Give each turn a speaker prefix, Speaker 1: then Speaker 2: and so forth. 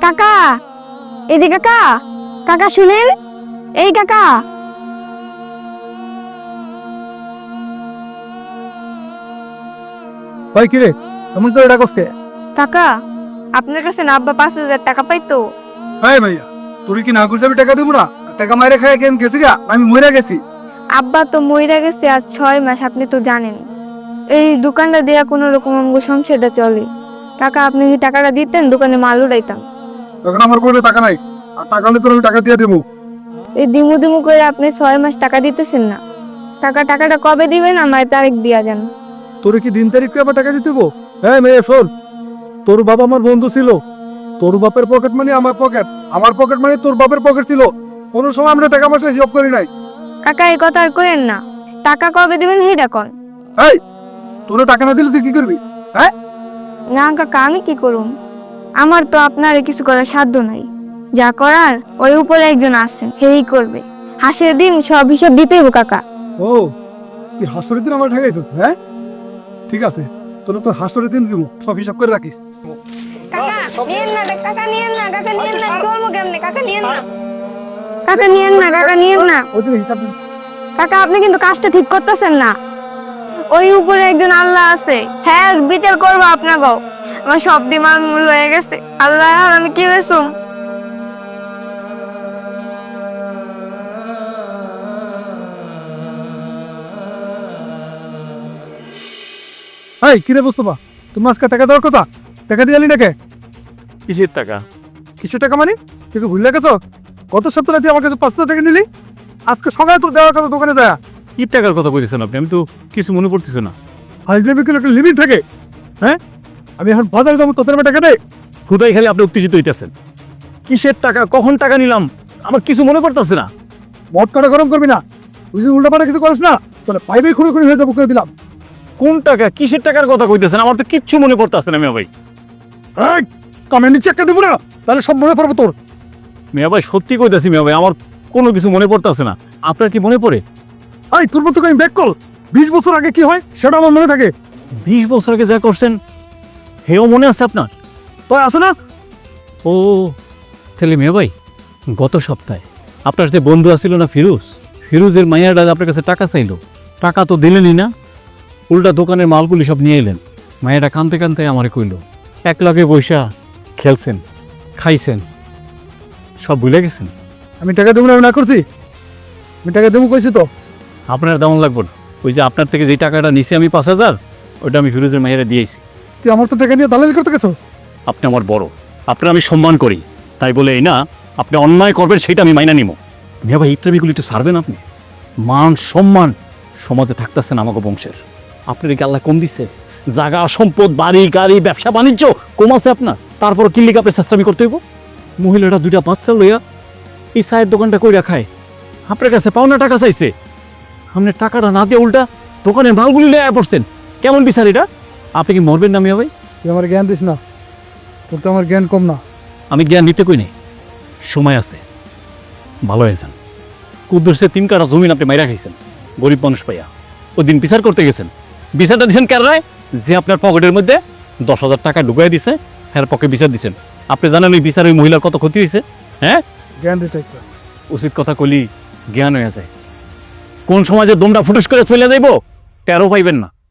Speaker 1: কাকা, এদিকে কাকা, কাকা শুনেন, এই কাকা।
Speaker 2: ভাই কিরে এমন করে ডাকস কে?
Speaker 1: কাকা, আপনার কাছে না আব্বা 5,000 টাকা পাইতো?
Speaker 2: হ্যাঁ ভাইয়া, তুই কি না করছিস? আমি টাকা দেবো না? টাকা মাইরে খাই কেন গেছি গা? আমি মরে গেছি।
Speaker 1: আব্বা তো মইরা গেছে আজ 6 মাস, আপনি তো জানেন। এই দোকানটা দেয়া কোনো রকম আমগো সংসারটা চলে। কাকা, আপনি যদি টাকাটা দিতেন দোকানে মাল উঠাইতাম।
Speaker 2: তখন আমার কোনো টাকা নাই, আর টাকা হলে তোর আমি টাকা দিয়ে দেবো।
Speaker 1: এই দিমু দিমু করে আপনি 6 মাস টাকা দিতেছেন না। টাকাটা কবে দিবেন? আমার তারিখ দিয়া যান।
Speaker 2: তোর কি দিন তারিখ আবার টাকা দিতে দেবো? হ্যাঁ মেয়ে শোন, তোর বাবা আমার বন্ধু ছিল। তোর বাপের পকেট মানি আমার পকেট, আমার পকেট মানি তোর বাপের পকেট ছিল। কোনো সময় আমরা টাকা পয়সা হিসাব করি নাই।
Speaker 1: কাকা, এই কথা আর কইেন না। টাকা কবে দিবেন সেইটা কোন।
Speaker 2: এই, তোর টাকা না দিলে তুই কি করবি? হ্যাঁ,
Speaker 1: না কাকা, আমি কি করুম? আমার তো আপনার কিছু করার সাধ্য নাই। যা করার ওই উপরে একজন আছেন, সেই করবে। হাসির দিন সব হিসাব দিতে হইব কাকা।
Speaker 2: ও তুই হাসরের দিন আমার ঠেকাইছিস? হ্যাঁ ঠিক আছে, তোর তো হাসরের দিন দিব, সব হিসাব করে রাখিস।
Speaker 1: কাকা নিয়েন না, কাকা নিয়েন না, কাকা নিয়েন না, করবো কেমনে? কাকা নিয়েন না, কাকা নিয়েন না, কাকা নিয়েন না।
Speaker 2: ওই দিন হিসাব দিন।
Speaker 1: কাকা, আপনি কিন্তু কাজটা ঠিক করতেছেন না। ওই উপরে একজন আল্লাহ আছে, হ্যাঁ বিচার করবো আপনাকেও। আমার সব দিমাগ মূল হয়ে গেছে। আল্লাহ, আর আমি কি হয়েছুম?
Speaker 2: এই কিরে বুঝতে তুমি আজকে টাকা দেওয়ার কথা, টাকা দিয়ে আলি নাকি?
Speaker 3: কিসের টাকা?
Speaker 2: কিছু টাকা মানে তুই কি ভুলে গেছ? গত সপ্তাহে তুই আমার কাছে 500 টাকা নিলি, আজকে সকালে তোর দেওয়ার কথা দোকানে দেয়া।
Speaker 3: কি টাকার কথা বলতেছেন আপনি? আমি তো কিছু মনে পড়তেছে না।
Speaker 2: হাজরামি একটা লিমিট থাকে। হ্যাঁ, আমি এখন বাজারে যাবো, তোদের আমার টাকা নেই।
Speaker 3: খুদাই খালি আপনি উত্তেজিত হইতেছেন। কিসের টাকা, কখন টাকা নিলাম, আমার কিছু মনে পড়তেছে না।
Speaker 2: মদ কাটা গরম করবি না, তুই যদি উল্টাপাল্টা কিছু করিস না তাহলে পাইবে খুঁড়ে খুঁড়ে হয়ে যাবো, করে দিলাম।
Speaker 3: কোন টাকা, কিসের টাকার কথা কইতেছেন? আমার তো কিচ্ছু মনে পড়তেছে না মিয়া ভাই।
Speaker 2: এই কামে নিচে একটা দেবো না, তাহলে সব মনে পড়বো তোর।
Speaker 3: মিয়া ভাই সত্যি কইতাছি মিয়া ভাই, আমার কোনো কিছু মনে পড়তেছে না। আপনার কি মনে পড়ে?
Speaker 2: এই তোর মতো আমি ব্যাক কল 20 বছর আগে কি হয় সেটা আমার মনে থাকে।
Speaker 3: 20 বছর আগে যা করছেন হেও মনে আছে আপনার?
Speaker 2: তো আছে না?
Speaker 3: ও তাহলে মিয়া ভাই, গত সপ্তাহে আপনার যে বন্ধু আছিল না ফিরোজ, ফিরোজের মাইয়াটা আপনার কাছে টাকা চাইলো, টাকা তো দিলেনই না, উল্টা দোকানের মালগুলি সব নিয়ে এলেন। মায়েরা কানতে কানতে আমারে কইল, এক লগে বৈশা খেলছেন, খাইছেন, সব ভুলে গেছেন।
Speaker 2: আমি টাকা দেবো না, আমি না করছি? আমি টাকা দেবো কইছি তো।
Speaker 3: আপনার তেমন লাগবো না। ওই যে আপনার থেকে যে টাকাটা নিছি আমি 5,000, ওইটা আমি ফিরোজের মায়েরা দিয়েছি।
Speaker 2: তুই আমার তো টাকা নিয়ে দালালি করতে গেছস।
Speaker 3: আপনি আমার বড়, আপনার আমি সম্মান করি, তাই বলে এই না আপনি অন্যায় করবেন সেটা আমি মাইনা নিব। মিয়া ভাই ইত্রাবিগুলি একটু ছাড়বেন আপনি। মান সম্মান সমাজে থাকতেছেন আমাকে বংশের। আপনার কি আল্লাহ কম দিচ্ছে? জায়গা সম্পদ, বাড়ি গাড়ি, ব্যবসা বাণিজ্য কম আছে আপনার, তারপর কিল্লিক আপনি চেষ্টামি করতে হইব? মহিলাটা 2টা বাচ্চা লইয়া এই চায়ের দোকানটা কইরা খায়, আপনার কাছে পাওনা টাকা চাইছে, আপনি টাকাটা না দিয়ে উল্টা দোকানের মালগুলি লইয়া পড়ছেন। কেমন বিচার এটা? আপনি কি মরবেন না মিয়া ভাই?
Speaker 2: তুই আমার জ্ঞান দিস না, তোর তো আমার জ্ঞান কম না।
Speaker 3: আমি জ্ঞান দিতে কই নেই, সময় আছে, ভালো হয়ে যান। কুদ্দুসে 3 কাঠা জমিন আপনি মাইরা খাইছেন গরিব মানুষ পাইয়া। ওই দিন বিচার করতে গেছেন, বিচারটা দিচ্ছেন কেন রায়? যে আপনার পকেটের মধ্যে 10,000 টাকা ঢুকাই দিছে, হ্যাঁ পকে বিচার দিচ্ছেন। আপনি জানেন ওই বিচার ওই মহিলার কত ক্ষতি হয়েছে? হ্যাঁ,
Speaker 2: জ্ঞান দিতে একটা।
Speaker 3: উচিত কথা কলি জ্ঞান হয়ে যায়। কোন সমাজে দমটা ফুটুস করে চলে যাইব 13 পাইবেন না।